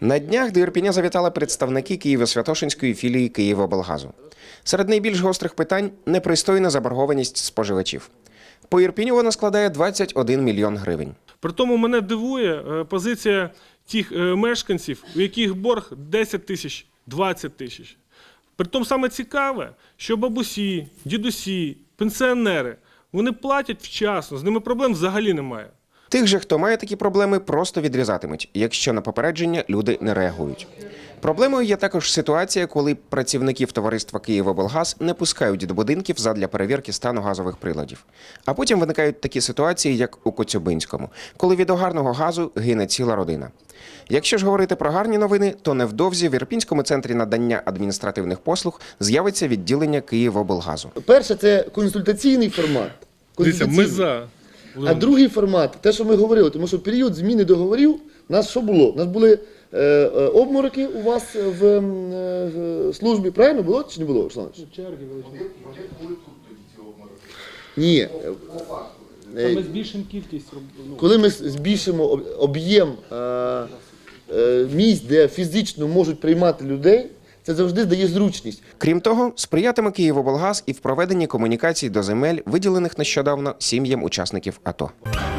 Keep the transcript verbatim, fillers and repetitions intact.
На днях до Ірпеня завітали представники Києво-Святошинської філії Київоблгазу. Серед найбільш гострих питань – непристойна заборгованість споживачів. По Ірпеню вона складає двадцять один мільйон гривень. Притому мене дивує позиція тих мешканців, у яких борг десять тисяч, двадцять тисяч. Притому саме цікаве, що бабусі, дідусі, пенсіонери, вони платять вчасно, з ними проблем взагалі немає. Тих же, хто має такі проблеми, просто відрізатимуть, якщо на попередження люди не реагують. Проблемою є також ситуація, коли працівників товариства «Київоблгаз» не пускають до будинків задля перевірки стану газових приладів. А потім виникають такі ситуації, як у Коцюбинському, коли від огарного газу гине ціла родина. Якщо ж говорити про гарні новини, то невдовзі в Ірпінському центрі надання адміністративних послуг з'явиться відділення «Київоблгазу». Перше – це консультаційний формат. Дивіться, ми за. А другий формат – те, що ми говорили, тому що в період зміни договорів у нас що було? У нас були е, е, обмороки у вас в е, службі, правильно було чи не було, Руслан? Ні. Ми збільшимо кількість. Коли ми збільшимо об'єм е, е, місць, де фізично можуть приймати людей, це завжди дає зручність. Крім того, сприятиме «Київоблгаз» і в проведенні комунікацій до земель, виділених нещодавно сім'ям учасників АТО.